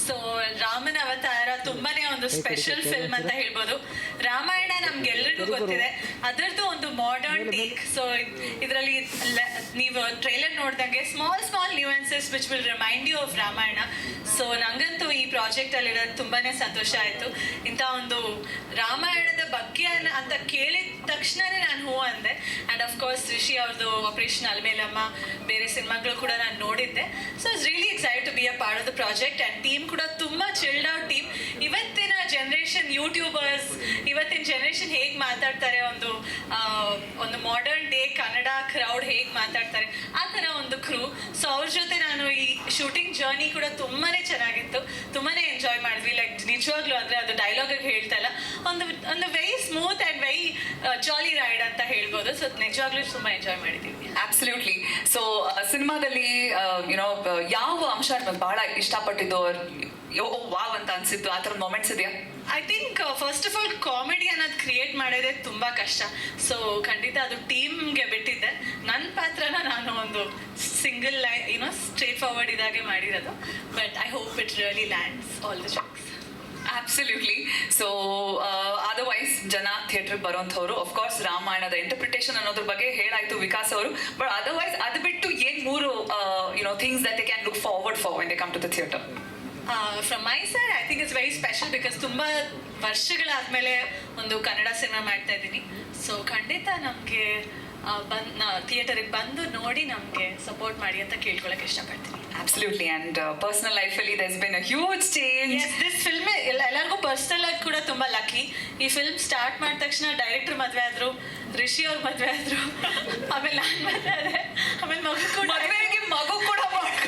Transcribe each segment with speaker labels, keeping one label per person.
Speaker 1: So ರಾಮನ ಅವತಾರ ತುಂಬಾನೇ ಒಂದು ಸ್ಪೆಷಲ್ ಫಿಲ್ಮ್ ಅಂತ ಹೇಳ್ಬೋದು. ರಾಮಾಯಣ ನಮ್ಗೆಲ್ರಿಗೂ ಗೊತ್ತಿದೆ, ಅದರದ್ದು ಒಂದು ಮಾಡರ್ನ್ ಟೇಕ್. ಸೊ ಇದರಲ್ಲಿ ನೀವು ಟ್ರೈಲರ್ ನೋಡ್ದಂಗೆ small nuances which will remind you of Ramayana. So ನಂಗಂತೂ ಈ ಪ್ರಾಜೆಕ್ಟ್ ಅಲ್ಲಿ ಇರೋದು ತುಂಬಾನೇ ಸಂತೋಷ ಆಯ್ತು. ಇಂಥ ಒಂದು ರಾಮಾಯಣದ ಬಗ್ಗೆ ಅಂತ ಕೇಳಿದ ತಕ್ಷಣನೇ ನಾನು ಹೂ ಅಂದೆ. ಆ್ಯಂಡ್ ಅಫ್ಕೋರ್ಸ್ ರಿಷಿ ಅವ್ರದ್ದು ಆಪರೇಷನ್ ಅಲ್ಮೇಲಮ್ಮ, ಬೇರೆ ಸಿನಿಮಾಗಳು ಕೂಡ ನಾನು ನೋಡಿದ್ದೆ. So it's really excited to be a part of the project. And team ಕೂಡ ತುಂಬ ಚಿಲ್ಡ್ ಔಟ್ ಟೀಮ್. ಇವತ್ತಿನ ಜನರೇಷನ್ ಯೂಟ್ಯೂಬರ್ಸ್, ಇವತ್ತಿನ ಜನರೇಷನ್ ಹೇಗೆ ಮಾತಾಡ್ತಾರೆ, ಒಂದು ಮಾಡರ್ನ್ ಡೇ ಕನ್ನಡ ಕ್ರೌಡ್ ಹೇಗೆ ಮಾತಾಡ್ತಾರೆ, ಆ ಥರ ಒಂದು ಕ್ರೂ. ಸೊ ಅವ್ರ ಜೊತೆ ನಾನು ಈ ಶೂಟಿಂಗ್ ಜರ್ನಿ ಕೂಡ ತುಂಬಾ ಚೆನ್ನಾಗಿತ್ತು, ತುಂಬಾ ಎಂಜಾಯ್ ಮಾಡಿದ್ವಿ. ಲೈಕ್ ನಿಜವಾಗ್ಲೂ ಅಂದರೆ ಅದು ಡೈಲಾಗಿಗೆ ಹೇಳ್ತಾ ಇಲ್ಲ, ಒಂದು very smooth and very jolly ride ಅಂತ ಹೇಳ್ಬೋದು. ಸೊ ನಿಜವಾಗ್ಲೂ ತುಂಬ ಎಂಜಾಯ್ ಮಾಡಿದ್ದೀವಿ.
Speaker 2: ಅಬ್ಸಲ್ಯೂಟ್ಲಿ. ಸೊ ಸಿನಿಮಾದಲ್ಲಿ ಯುನೋ ಯಾವ ಅಂಶ ನಿಮಗೆ ಬಹಳ ಇಷ್ಟಪಟ್ಟಿದ್ದು, ವಾವ್ ಅಂತ ಅನ್ಸಿತ್ತು, ಆ ಥರ ಮೊಮೆಂಟ್ಸ್ ಇದೆಯಾ?
Speaker 1: I think first of all comedy ಅನ್ನೋದು ಕ್ರಿಯೇಟ್ ಮಾಡೋದೇ ತುಂಬ ಕಷ್ಟ. ಸೊ ಖಂಡಿತ ಅದು ಟೀಮ್ಗೆ ಬಿಟ್ಟಿದ್ದೆ. ನನ್ನ ಪಾತ್ರನ ನಾನು ಒಂದು ಸಿಂಗಲ್ ಲೈನ್ ಸ್ಟ್ರೇಟ್ ಫಾರ್ವರ್ಡ್ ಇದಾಗೆ ಮಾಡಿರೋದು. But I hope it really lands all the jokes.
Speaker 2: Absolutely. So otherwise ಜನ ಥಿಯೇಟರ್ಗೆ ಬರೋಂಥವ್ರು ಅಫ್ಕೋರ್ಸ್ ರಾಮಾಯಣದ ಇಂಟರ್ಪ್ರಿಟೇಷನ್ ಅನ್ನೋದ್ರ ಬಗ್ಗೆ ಹೇಳಾಯ್ತು ವಿಕಾಸ್ ಅವರು. ಬಟ್ ಅದರ್ವೈಸ್ ಅದು ಬಿಟ್ಟು ಏನು ಮೂರು things that they can look forward for when they come to the theatre?
Speaker 1: From my side I think it's very special because ತುಂಬ ವರ್ಷಗಳಾದಮೇಲೆ ಒಂದು ಕನ್ನಡ ಸಿನಿಮಾ ಮಾಡ್ತಾ ಇದ್ದೀನಿ. ಸೊ ಖಂಡಿತ ನಮಗೆ ಥಿಯೇಟರಿಗೆ ಬಂದು ನೋಡಿ ನಮಗೆ ಸಪೋರ್ಟ್ ಮಾಡಿ ಅಂತ ಕೇಳ್ಕೊಳಕ್ಕೆ ಇಷ್ಟಪಡ್ತೀನಿ.
Speaker 2: Absolutely. And personal life ಅಲ್ಲಿ there's been a huge change.
Speaker 1: Yes, this film ಎಲ್ಲರಿಗೂ ಪರ್ಸನಲ್ ಆಗಿ ಕೂಡ ತುಂಬ ಲಕ್ಕಿ. ಈ ಫಿಲ್ಮ್ ಸ್ಟಾರ್ಟ್ ಮಾಡಿದ ತಕ್ಷಣ ಡೈರೆಕ್ಟರ್ ಮದುವೆ ಆದರು, ರಿಷಿ ಅವ್ರ ಮದುವೆ ಆದರು, ಆಮೇಲೆ ನಾನು ಮದುವೆ ಆದೆ, ಆಮೇಲೆ
Speaker 2: ಮಗು ಕೂಡ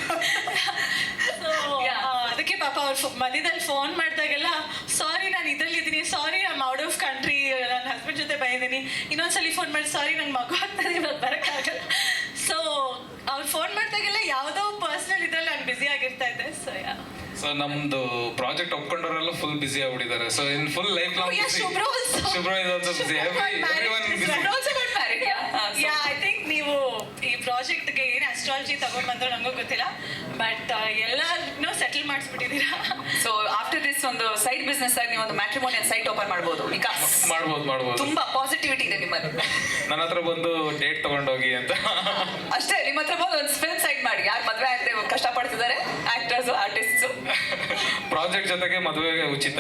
Speaker 1: ಅದಕ್ಕೆ ಪಾಪ ಅವ್ರು ಮಧ್ಯದಲ್ಲಿ ಫೋನ್ ಮಾಡಿದಾಗೆಲ್ಲ ಸಾರಿ ನಾನು ಇದರಲ್ಲಿದ್ದೀನಿ, sorry I'm out of country, ನನ್ನ ಹಸ್ಬೆಂಡ್ ಜೊತೆ ಬಂದಿದ್ದೀನಿ, ಇನ್ನೊಂದ್ಸಲಿ ಫೋನ್ ಮಾಡಿ ಸಾರಿ ನಂಗೆ ಮಗು ಆಗ್ತದೆ ಇವಾಗ ಬರೋಕ್ಕಾಗಲ್ಲ. ಸೊ ಅವ್ರು ಫೋನ್ ಮಾಡಿದಾಗೆಲ್ಲ ಯಾವುದೋ ಪರ್ಸನಲ್ ಇದ್ರಲ್ಲಿ ನಾನು ಬ್ಯುಸಿ ಆಗಿರ್ತಾ ಇದ್ದೆ.
Speaker 3: ಸೊ ನಮ್ದು ಪ್ರಾಜೆಕ್ಟ್ ಒಪ್ಕೊಂಡವರೆಲ್ಲ ಫುಲ್ ಬಿಸಿ ಆಗ್ಬಿಟ್ಟಿದ್ದಾರೆ. So in full life long Shubhra is also busy. Everyone busy.
Speaker 1: Yeah I think ನೀವು ಈ ಪ್ರಾಜೆಕ್ಟ್ಗೆ ಏನು ಅಸ್ಟ್ರಾಲಜಿ ತಗೊಂಡ್ ಬಂದ್ರು ನಂಗೂ ಗೊತ್ತಿಲ್ಲ, ಬಟ್ ಎಲ್ಲಾನು ಸೆಟಲ್ ಮಾಡಿಸ್ಬಿಟ್ಟಿದ್ದೀರಾ.
Speaker 2: ಸೊ ಆಫ್ಟರ್ ದಿಸ್ ಒಂದು ಸೈಡ್ ಬಿಸ್ನೆಸ್ ಆಗಿ ನೀವು ಒಂದು ಮ್ಯಾಟ್ರಿಮೋನಿಯಲ್ ಸೈಟ್ ಓಪನ್ ಮಾಡ್ಬೋದು.
Speaker 3: ಮಾಡ್ಬೋದು.
Speaker 2: ತುಂಬಾ ಪಾಸಿಟಿವಿಟಿ ಇದೆ ನಿಮ್ಮಲ್ಲಿ.
Speaker 3: ನನ್ನ ಹತ್ರ ಬಂದು ಡೇಟ್ ತಗೊಂಡೋಗಿ ಅಂತ
Speaker 2: ಅಷ್ಟೇ. ನಿಮ್ಮ ಹತ್ರ ಬಂದು ಒಂದು ಫಿಲ್ಮ್ ಸೈಟ್ ಮಾಡಿ, ಯಾರು ಮದುವೆ ಆಗದೆ ಕಷ್ಟಪಡ್ತಿದ್ದಾರೆ ಆಕ್ಟರ್ಸ್ ಆರ್ಟಿಸ್ಟ್ಸ್.
Speaker 3: ಪ್ರಾಜೆಕ್ಟ್ ಜೊತೆಗೆ ಮದುವೆಗೆ ಉಚಿತ.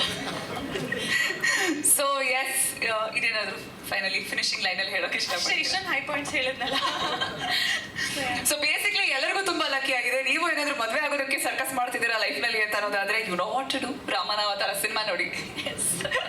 Speaker 2: ಸೊ ಎಸ್, ಇದೇನಾದ್ರು ಫೈನಲಿ ಫಿನಿಶಿಂಗ್ ಲೈನ್ ಅಲ್ಲಿ ಹೇಳೋಕೆ ಇಷ್ಟಪಡ್ತೀನಿ.
Speaker 1: ಇಷ್ಟೊಂದು ಹೈ ಪಾಯಿಂಟ್ಸ್ ಹೇಳಿದ್ನಲ್ಲ.
Speaker 2: ಸೊ ಬೇಸಿಕ್ಲಿ ಎಲ್ಲರಿಗೂ ತುಂಬಾ ಲಕ್ಕಿ ಆಗಿದೆ. ನೀವು ಏನಾದ್ರು ಮದುವೆ ಆಗೋದಕ್ಕೆ ಸರ್ಕಸ್ ಮಾಡ್ತಿದ್ದೀರಾ ಲೈಫ್ ನಲ್ಲಿ ಅಂತ ಅನ್ನೋದಾದ್ರೆ you know what to do. ರಾಮನ ಅವತಾರ ಸಿನಿಮಾ ನೋಡಿ.